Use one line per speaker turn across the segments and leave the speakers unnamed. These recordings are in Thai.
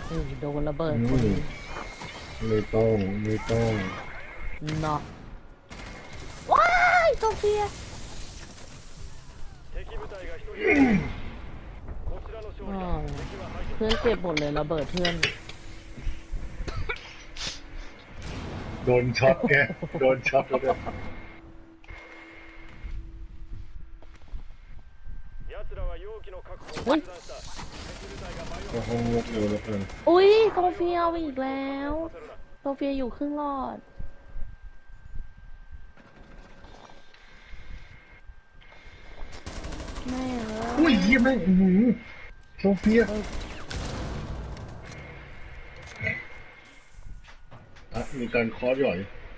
โดนระเบิด
อืมไม่ต้อง
เนาะว้ายโซเฟียอ๋อเพื่อนเจ็บหมดเลยระเบิดเพื่อน
โดนช็อตแกโดนช็อตแล้วเนี่ย
อุ้ย
ก็ห้องงกเลยแล้วกัน
อุ้ยโซเฟียเอาไปอีกแล้วโซเฟียอยู่ครึ่งหลอดแม่เอ้
อุ้ย
ย
เยี่ยมแม่งโซเฟียอ่ะมีการคอร์สหย่อย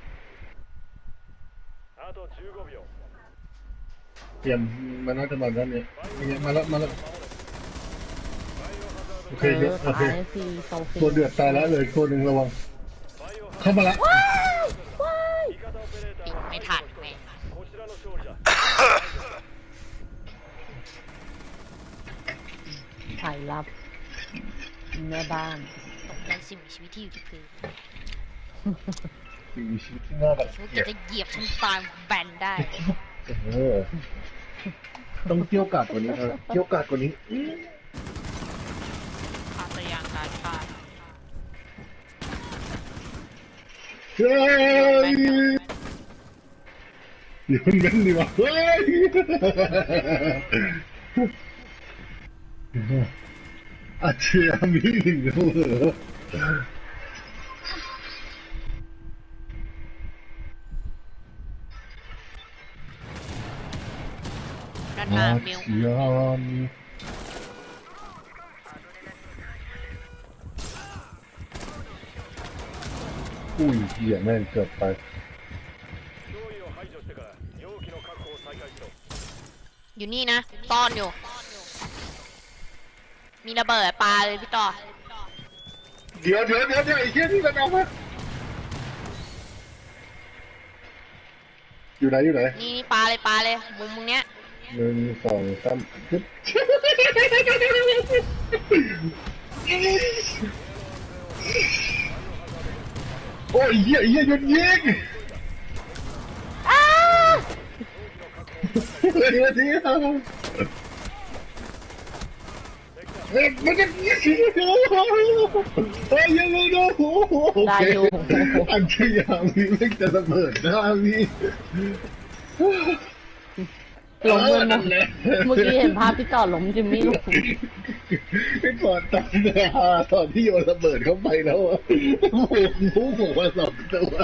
เตรียมมันน่าจะมาด้านนี้เนี่ยมาแล้วโอเคเยอะโอเค
ตายสิโซเฟีย
ตัวเดือดตายแล้วเลยตัวหนึ่งระวังเข้ามาละ
ว้ายว้าย
ไม่ทันแม่ง
ถ่ายรับแม่บ้าน
ตกใจสิ่งมีชีวิตที่อยู่ที่พื้น
มีชีวิตที่น่ารัก
ฉันจะเหยียบฉันตายแบนได้
เออต้องเกี่ยวกาดกว่านี้ครับเกี่ยวกาดกว่านี้
อาตยางการฆ่า
เฮ้ยเดี๋ยวมันเว้นดีวะเฮ้ยอาเชียมีหนึ่งเหรอ
ด้านห
อา
น้าเมล
เชียมีอุ้ยเหี้ยแม่งเกือบไป
อยู่นี่นะซ่อนอยู่ มีระเบิดปลาเลยพี่ต่อ
เดี๋ยวไอ้เหี้ยนี่มันเอามาอยู่ไหน
นี่ปลาเลยมุมมึงเนี้ย
1 2 3ปึ๊บโอ้ยเหี้ยหยุดยิงเดี๋ยวมันจะยิงเฮ้ยยังไม่โดนโอเคอันที่ยามีไม่จะระเบิดนะมี
ล้มเลยนะเมื่อกี้เห็นภาพที่จอดล้มจิมมี่ลง
ไอ้ก่อนตอนที่โยนระเบิดเข้าไปแล้วอะหมูมา2 ตัว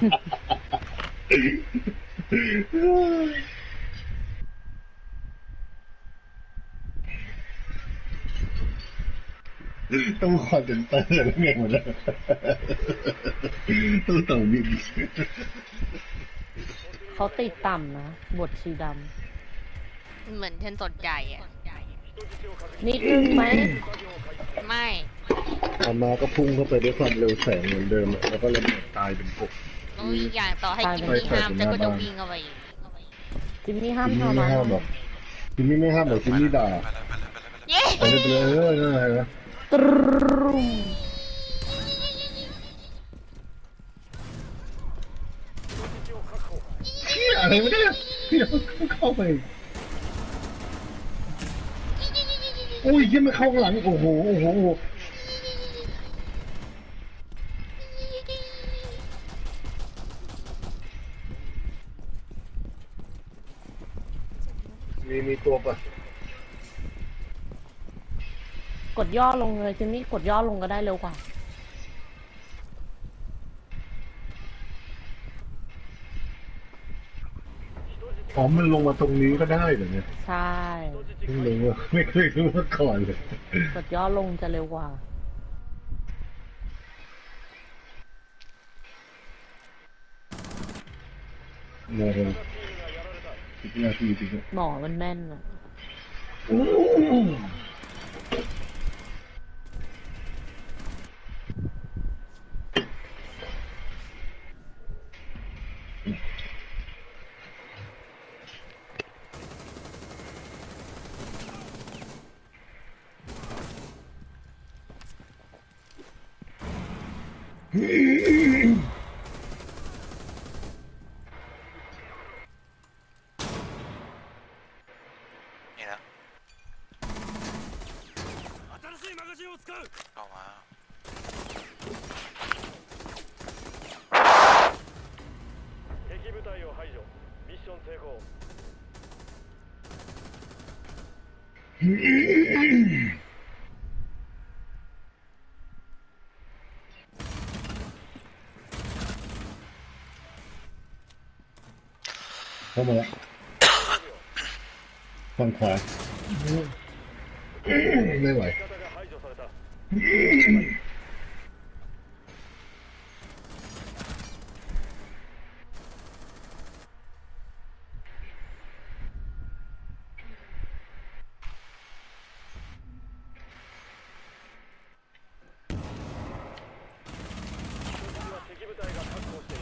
ต้องคอนเซนเตอร์แล้วไงหมดแล้วต้องบิน
เขาติดต่ำนะบทชีด
เหมือนฉันสนใจอ่ะ
ำนิดนึงไหม
ไม่
อามาก็พุ่งเข้าไปด้วยความเร็วแสงเหมือนเดิมอะแล้วก็ระเบิดตายเป็นกบ
อุ้ยอย่างต่อให้กินนี่ห้ามฉันก็จะวิ่งเอาไปอีก
จิมมี่ห้าม
จิม
ทำ
มี่ไม่ห้ามหรอกจิมมี่ไม่ห้ามหรอกจิมมี่ด่า
เย้
ไปเลยนั่นไงนะ
ตรุม
อะไรไม่ได้พี่เข้าไปอุ้ยยังไม่เข้าข้างหลังโอ้โหมีตัวปะ
กดย่อลงเลยจิมมี่กดย่อลงก็ได้เร็วกว่า
อ๋อมันลงมาตรงนี้ก็ได้เหรอเนี่ย
ใช่
เพิ่งรู้ว่าไม่เคยรู้มาก่อนเลย
กดย่อลงจะเร็วกว่า
เร็ว10 นาทีจริง
หมอมันแม่นอะ
นี่นะเข้ามา
敵部隊を排除ミッション成功
เข้ามาแล้วฝั่งขวาไม่ไหว
味方が排除された 敵部隊が確保している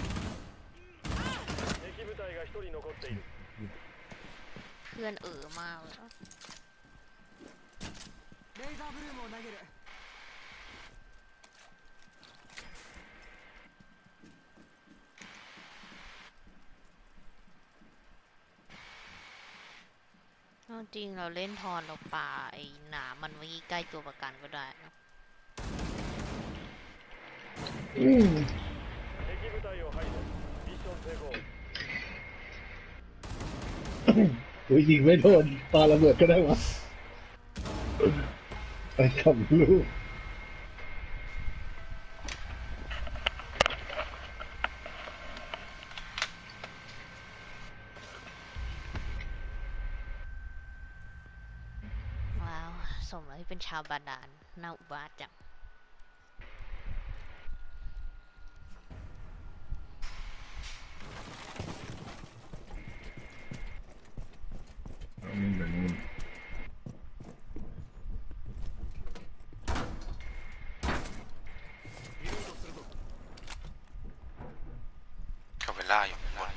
敵部隊が1人残っている
เพื่อนมากเลย
レーザーブルームを投げる
จริงเราเล่นทอนเราป่าไอ้หนามันไว้ใกล้ตัวประกันก็ได้นะ
敵部隊を排除ミッション成功
อุ้ยยิงไม่โดนปาระเบิดก็ได้วะไปขับลูก
ว้าวสมแล้วที่เป็นชาวบาดาลน่าอุบาทจัง
นี่แบบนี้
กับเวล่าอยู่บน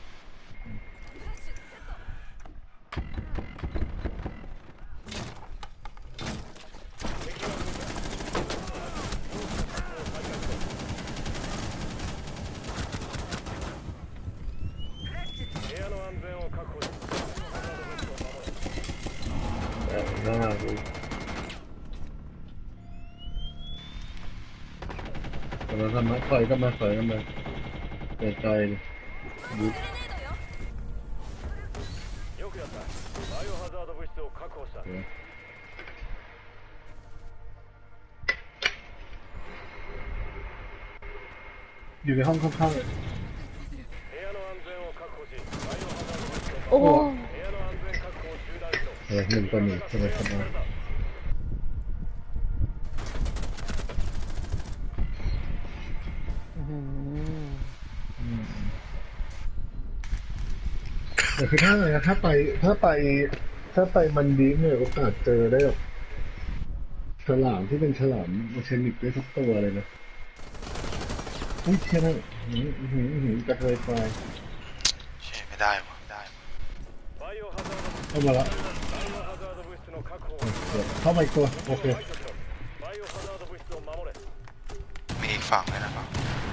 部屋の安全を確保し
หน้าดูกำลังทำมาถอยก็มาถอยก็มาใจใจดู
よくやったバイオハザード物質を確保した
อยู่ในห้องข้าง
部屋の安全を確保しバイオハザード物質を
โอ้โห
部屋の安全確保を中断しろ
ๆหนึ่งต่อหนึ่งใช่ไหมครับ
อื้อหือ
แต่คือถ้าไปมันดีเนี่ยโอกาสเจอได้แบบฉลามที่เป็นฉลามเชนิกได้ทุกตัวเลยนะอุ้ยเชี่ยนะกระเทยไฟ
เช่ไม่ได้วะได้
バイオハザード物質
เข้ามาแล้ว
バイオハザード物質の確保を
เดี๋ยวเข้ามาอีกตัวโอเค
排除しろバイオハザード物質を守れ
มีอีกฝั่งเลยนะครับ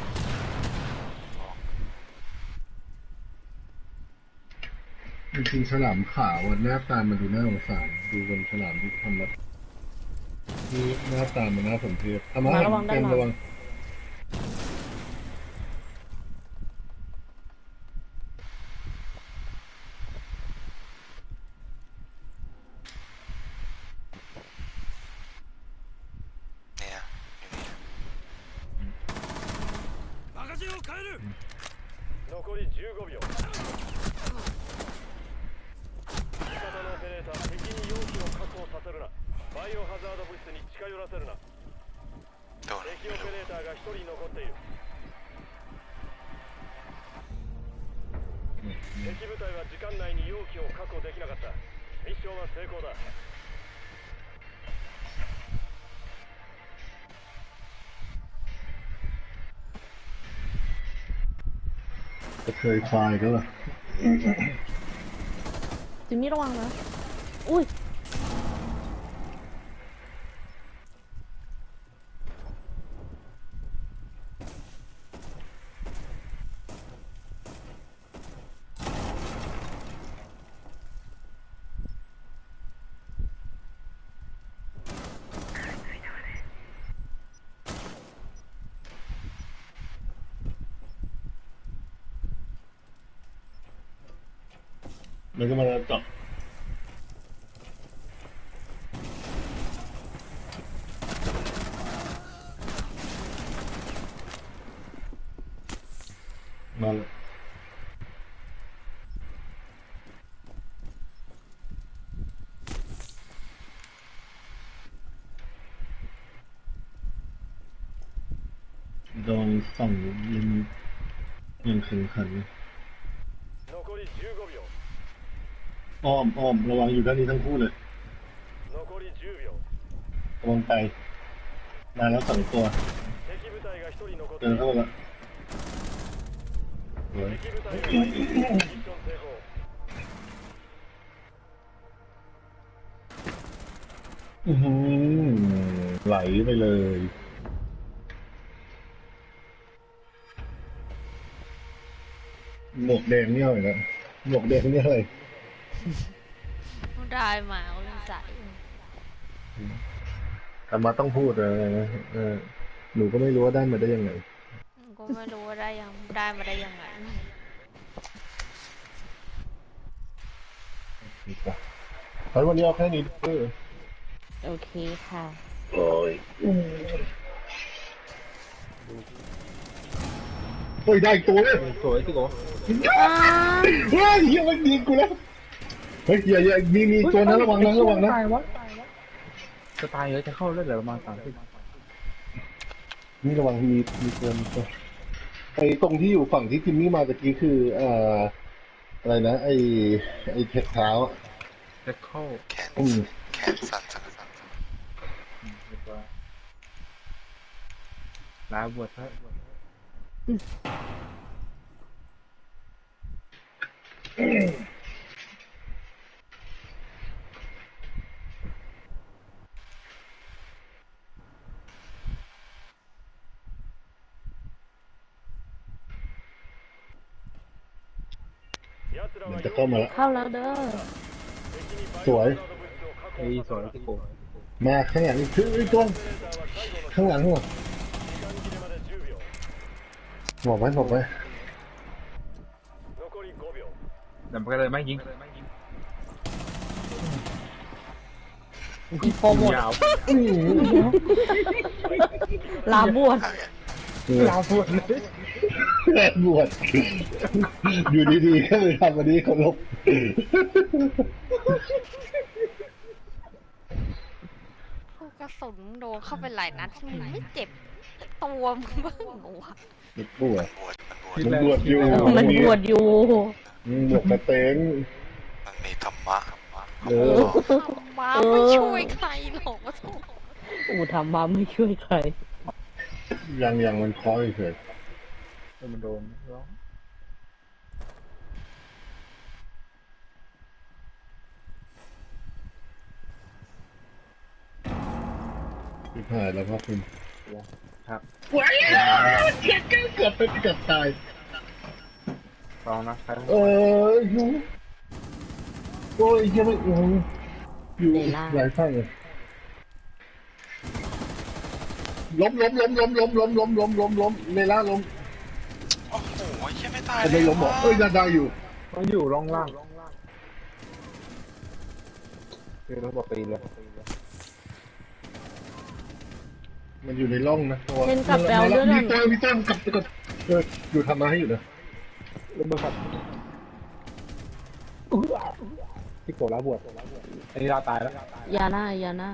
จริงๆฉลามขาวอะหน้าตามันดูน่าสงสารดูเป็นฉลามที่ทำแบบที่หน้าตามันน่าสมเพชเอามา
ระวังด้าน
เต็ม
หลั
ระวั
ง
ง
เนี่ยอยู่นี่
マガジンを変える残り15秒味方のオペレーター敵に容器を確保させるなバイオハザード物質に近寄らせるな
โดน
敵オ
ไม่
ペ
รู้
レーターが1人残っている敵部隊は時間内に容器を確保できなかったミッションは成功だ
กระเทยไฟก็ล่ะ
จิมมี่ระวังนะ อุ้ย
มันก็มาเจาะมาเลยโดนส่องยิงยังแข็งขัน
残り15秒
อ้อมระวังอยู่ด้านนี้ทั้งคู่เลย
残り10秒
ระวังไปมาแล้ว2ตัว
敵部隊が1人残って
เดิ
い
น
る
เข้ามาละสวย
敵部隊がミッション成功
อื้อหือไหลไปเลยหมวกแดงนี่อะไรนะหมวกแดงนี่อะไร
ได้มาก็เลยใส่
ธรรมะต้องพูดอะไรนะหนูก็ไม่รู้ว่าได้มาได้ยังไง
ก็ไม่รู้ว่าได้มาได้ยังไง
เพราะวันนี้เอาแค่นี้เออ
โอเคค่ะ
โอ้ยเฮ้ยได้อีกตัวเลย
สวยสิโก
เฮ้ยเฮียมันยิงกูแล้วเฮ้ยอย่ามีตัวนั้นระวังนะ
ตายวะจะตายเลยจะเข้าเลือดเหลือประมาณ30
นี่ระวังมีตัวไอ้ตรงที่อยู่ฝั่งที่จิมมี่มาตะกี้คืออะไรนะไอ้เทคเท้าอะ
จะเข้า
แขน
อืม
แขนสั่นสั่นสั่น
เรียบร้อยลาบวชซะ
奴ら
มัน
は
จะเข้ามาแล้ว
เข้าแล้วเด้อ
敵にバイ
ส
オ
วย
ハザード物質を確
ไอ้
保
สวย
させ
สิ
る
โก
มาข้างหลังคือไอ้ตัว
オペレーターは最後の
ข้างหลังหัว
時間切れまで10秒
บอกไว้
残り5秒
เดี๋ยวมันก็เลยไม่ยิง
อีโปรโมท
ยาว
ลาบวช
ยาวบวชเลย
แม่บวชอยู่ดีๆก็เลยทำวันนี้เคารพ
พวกกระสุนโดนเข้าไปหลายนัดมึงไม่เจ็บตัวมึงบ้างเหรอวะ
มันบวช
มันบวช
มันบวชอยู่
มันบวชอยู่
บวชกระเตง
มันมีธรรมะ
เออ
มาไม่ช่วยใครหรอกวะทุก
อูทำมาไม่ช่วยใคร
ยังมันคอยเฉย
มันโดนร้อง
ที่ผ่านแล้วพ่อคุณ
ครับ
ว้ายเกือบตาย
ลองนะใคร
อยู่โอ้ยยังไม่อยู่หลายข้างเลยล้มเลล่าล้ม
โอ้โหเหี้ยังไม่ตาย
ไม่ล้มหรอได้อยู่
มันอยู่ร่องล่างคือเราบอกตีเลย
มันอยู่ในร่องนะตัว
เช่นกับแปลวเลือด
มีตัวกลับอยู่ทำมาให้อยู่นะ
แล้วเบอร์ขัดที่โกรธแล้วบวชอันนี้เราตายแล้ว
ยาหน้า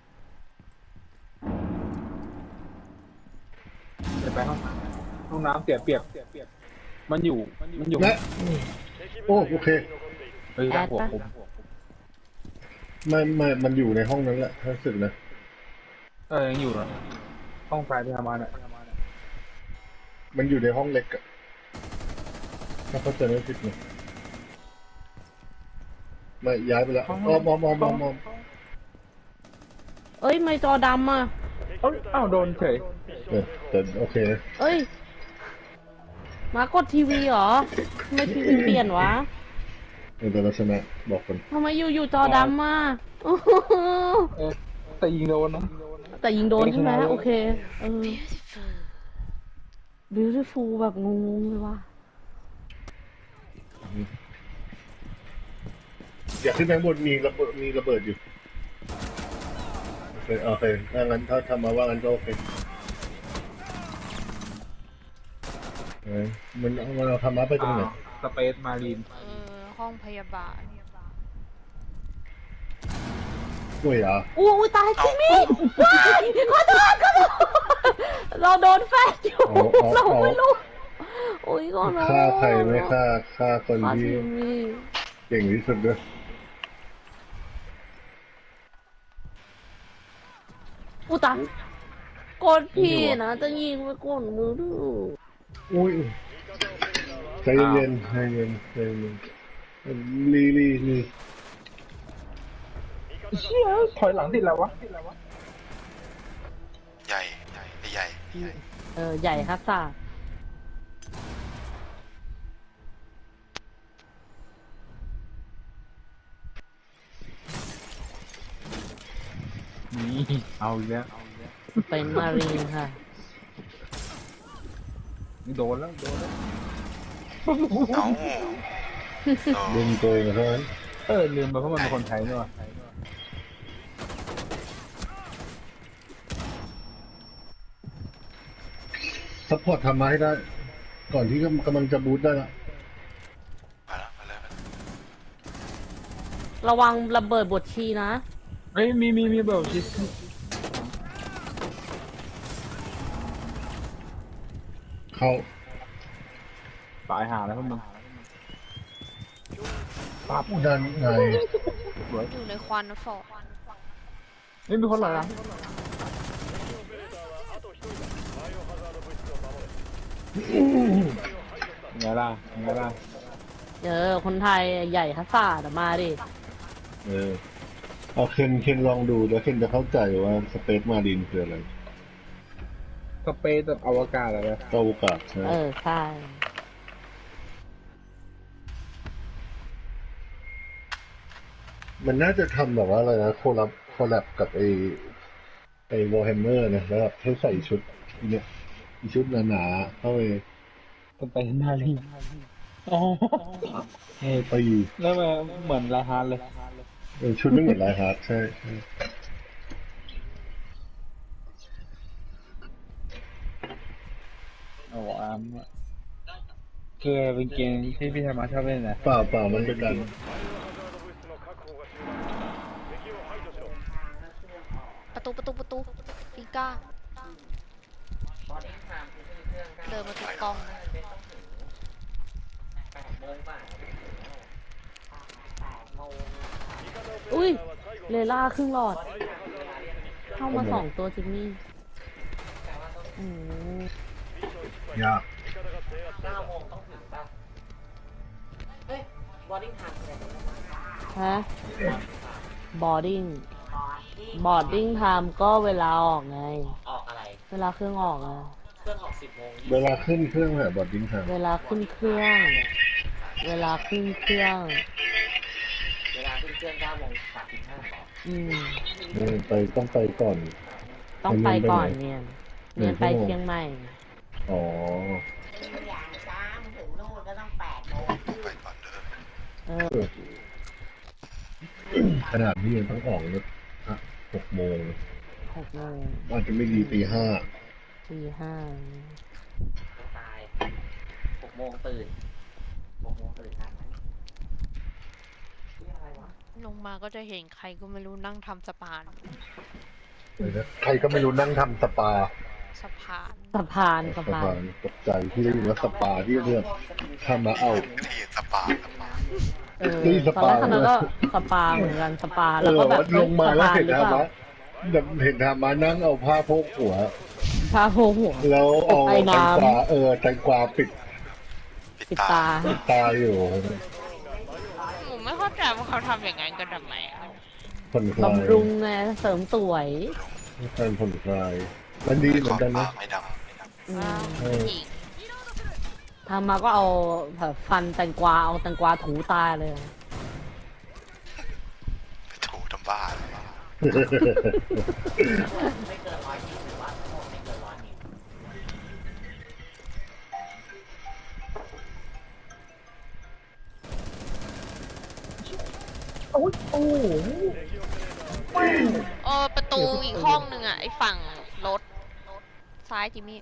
เดี๋ยวไปห้องน้ำเสียเปรียบมันอยู่
และ
敵部
โอ้
隊
โอ
が
เค
1人残っている
เฮ้ยหัวผม
ไม่มันอยู่ในห้องนั้นแหละรู้สึกนะ
ยังอยู่นะห้องไฟที่ทำมาเนี่ย
มันอยู่ในห้องเล็กอะถ้าเขาจะไม่ผิดนะไม่ย้ายไปแล้วมอง
เอ้ย ไม่จอดำอ่ะ
อ้าวโดนเฉย
แต่โอเคนะ
เอ้ย มากดทีวีเหรอทำไมทีวีเปลี่ยนวะ
แต่เราชนะบอกคน
ทำไมอยู่จอดำอ่ะ
แต่ยิงโดนนะ
แต่ยิงโดนใช่ไหมโอเค
beautiful
beautiful แบบงงๆเลยว่ะ
อย่าขึ้นไปข้างบนมีระเบิดอยู่โอเคโอเคถ้างั้นถ้าทำมาว่างั้นก็โอเคมันเอาธรรมะไปตรงไหน
สเปซมารีน
ห้องพยาบาล
กล้วยเหรอ
อู้ยตายจิมมี่ว้ายขอโทษเราโดนแฟนอยู่เราไม่รู้โอ้ยก็นะ
ฆ่าใครไม่ฆ่าคน
ฆ่า
ที่
จิมมี่
เก่งที่สุดด้วย
อู้ตายกดพี่นะจะยิงไปกดมือดู
อุ้ยใจเย็นใจเย็นใจเย็นลี
เชี่ยถอยหลังติดแล้ววะ
ใหญ่ใหญ่
ใหญ่ครับซ่า
นี่เอาอีกแล้ว
เป็นมารีนค่ะ
โดนแล้ว
เอ้า
เล่นโกงเท่านั้น
ลืมไปเพราะมันเป็นคนไทยนี่วะ
ซัพพอร์ตทำมาให้ได้ ก่อนที่กำลังจะบูทได้ละ
มาแล้ว
ระวังระเบิดบทชีนะ
เอ้ยมีแบบชิส
เข้า
ตายหาแล้วพวกมึง
ปั๊บดันไง
อยู่ในควันฟอก
ไม่มีคนหรอ
オペレーターはあと1人だバイオハザード物質を守れ
ไงล่ะ
คนไทยใหญ่ครับซ่าแต่มาดิ
เอาเคนลองดูแล้วเคนจะเข้าใจว่าสเปซมารีนคืออะไร
สเปซแบบอวกาศอะไร
อวกาศใช่ไหม
ใช่
มันน่าจะทำแบบว่าอะไรนะโคลับกับไอ้วอลแฮมเมอร์นะแล้วแบบให้ใส่ชุดเนี่ยชุดหนาๆเข้าไป
สเปซมารีนอ๋อ
ตี
แล้วมันเหมือนลาฮาร์เลย
ชุดไม่เหมือนลายฮาร์ดใช่
โอ้คือเป็นเกมที่พี่ธรรมะชอบเล่นนะ
เปล่ามันเป็นการ
バイオハザード物質の確保が終了敵を排除しろ
ประตูปีก้าเดินมาถูกต้อง
อุ้ยเลล่าครึ่งหลอด เข้ามา2 ตัวจิมมี่อืม
ยาก
ฮะบอร์ดิ้งไทม์ก็เวลาออกไง
ออกอะไร
เวลาเครื่องออกอะ
เครื่องออก10 โมง
เวลาขึ้นเครื่องแบบบอดดิ้งทาง
เวลาขึ้นเครื่อง
เวลาขึ้นเครื่อง9 โมง 35ต่อ
ต้องไปก่อน
ต้องไปก่อนเนี่ยไปเชียงใหม่
อ๋อ
อย่างช้ามึงถึงนู่นก็ต้อง8 โมง
ไปก่อนเด้อ
ขนาดนี้ยังต้องออกรถ6 โมง
6 โมง
อาจจะไม่ดีตี 5
ตี 5
ต้องตาย6 โมงตื่นทันไหมอะไรวะ
ลงมาก็จะเห็นใครก็ไม่รู้นั่งทำสะพาน
ใครก็ไม่รู้นั่งทำสปา
สะพาน
สะพาน
ตกใจที่ได้ยินว่าสปาที่เรื่องทำมาเอา
ที่สปา
นี่ส
ตอน
ปา
แรกคณะก็สปาเหมือนกันสปาแล้วก็แบบ
ลงมาแล้วเห็น
หรือ
ทำ
เปล่า
มาเห็นทำมานั่งเอาผ้าโพกหัว
พาโพหัว
แล้วเอา
ไอ้
แต
น้ำ
งกวาแตงกวาปิด
ปิดตา
ตาอยู่
ผมไม่เข้าใจว่าเขาทำอย่างนั้นกันทำไมอะ
ผ่อนคลาย
บำรุงไงเสริมสวย
การผ่อนคลายมันดีเหมือนกันนะ
ไม่ดัง
อืม
หญิง
ทำมาก็เอาแบบฟันแตงกวาเอาแตงกวาถูตาเลย
ไปถูทำบ้าเลย
ไม่เกิน120 วัตต์ทั้งหมดไม่เกิน100 มิล
โอ้โอ้โห
ประตูอีกห้องหนึ่งอ่ะไอ้ฝั่งรถซ้ายจิมมี่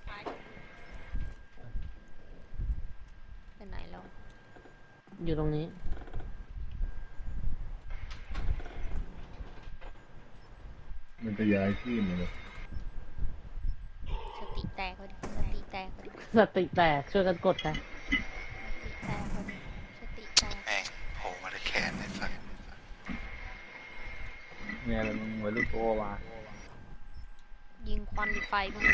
ไปไหนแล้ว
อยู่ตรงนี้
มันจะย้ายที่มาเลย
สติแตกพอดีสติแตกพอดี
สติแตกช่วยกันกดกัน
สติแตก
แม่งโผล่มาได้แขนในสัตว์
เนี่ยอะไรมึงไว้ลูกโตมา
ยิงควันหรือไฟมึง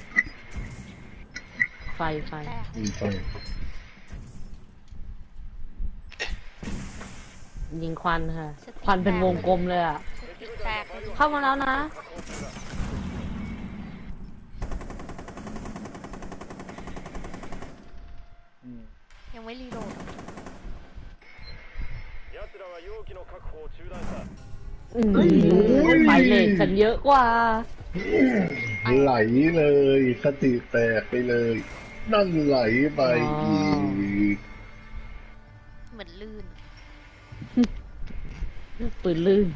ไฟ
แตก
มีไฟ
ยิงควันค่ะ ควันเป็นวงกลมเลยอ่ะ
สติแตก
เข้ามาแล้วนะ
ยังไม่รีโหลด
奴らは容器の確保を中断した
ไฟเลทฉันเยอะกว่า
ไหลเลยสติแตกไปเลย นั่นไหลไปอีก
เหมือนลื่น
ปืนลื่น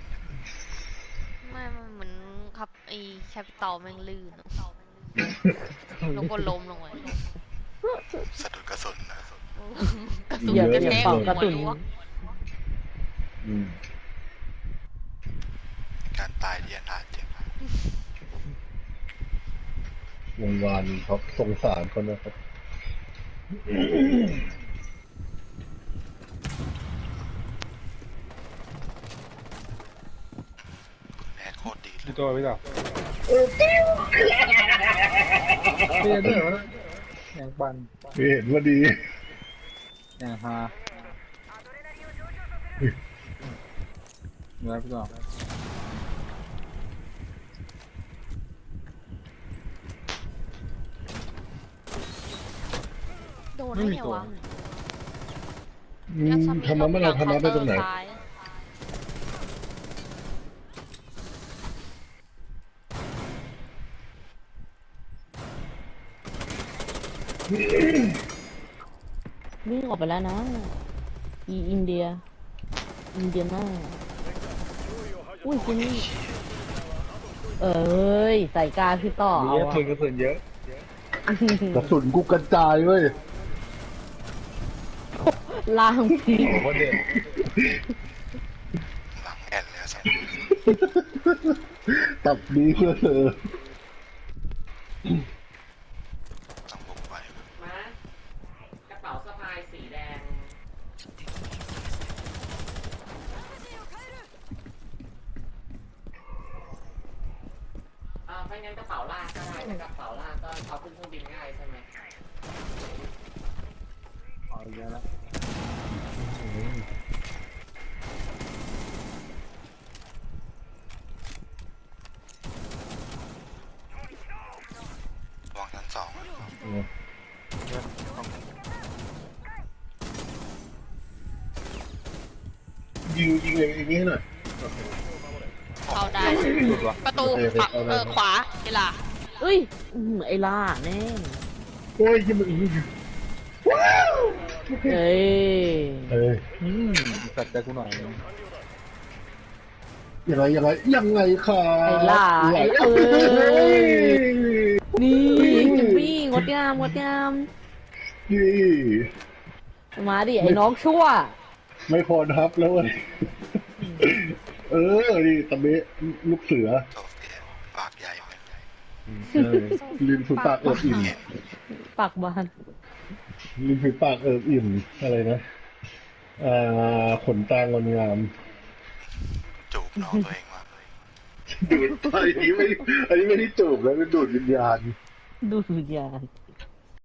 ไม่มันเหมือนขับไอ้แคปิตอลแม่งลื่นอะแล้วก็ล้มลงไป
สะดุดกระสุนนะ
กระตุก
อย่าก
ระ
อย่า
แทก
เป่า
หั
กระ
ว
ตุน
รั้ว
อืม
การตายที่อนาถจริง
วงวานเขาสงสารคนนะครับ
แม่งโคตรดีเล
พี่
ย
โตพี่ต่อเรียนด้วยวะอย่างปัน
เห็นว่าดี
อย่างฮาเนื้อพี่ต่อ
โดนได้ไงวะ
ธรรมะไม่เราธรรมะไปตรงไหน
ซ้าย
วิ่งออกไปแล้วนะ อินเดียน่าอุ้ยคุณนี่เอ้ยใส่กาพี่ต่อ
มี
เอา
เยอะ
อะ
ทุนกระสุนเยอะ
กระสุนกูกระจายเว้ย
ล่างพี
โอ้โหเด็ด
หลังแอนเลยสัตว์
ตับดีเพื่อเธอ
ต้องบุกไป
มากระเป๋าสะพายสีแดงไม่งั้นกระเป๋าลากก็ได้ถ้ากระเป๋าลากก็เอาขึ้นเครื่องบินง่ายใช่ไหม
เอาเยอะแล้ว
วางชั้นสอง
ยิงเลยอย่างนี้หน่อย
เข้าได้
หลุดวะ
ประตูขวาเวลา
เอ้ยไอ้ล่าแน่
โอ้ยยิงมันว้าว
เอ้ย
เอ้ย
สัตว์ใจกูหน่อยนึง
ยังไงค่ะ
ไอ้ล่า
ไหล
ไอ้
เอ้
เอ้
ย
ยนี่จิมมี่งดงาม
นี่
มาดิไอ้น้องชั่ว
ไม่พอนับแล้วเว้ยนี่ตะเบะลูกเสือ
โซเฟียปากใหญ่ไหม
ลินฝีปากเอิบอิ่ม
ปากบาน
ริมฝีปากเอิบอิ่มอะไรนะขนตางอนงาม
จูบน้องตัวเองมากเลย
ดูดอันนี้ไม่ได้จูบแล้วเป็นดูดวิญญาณ
ดูวิญญาณ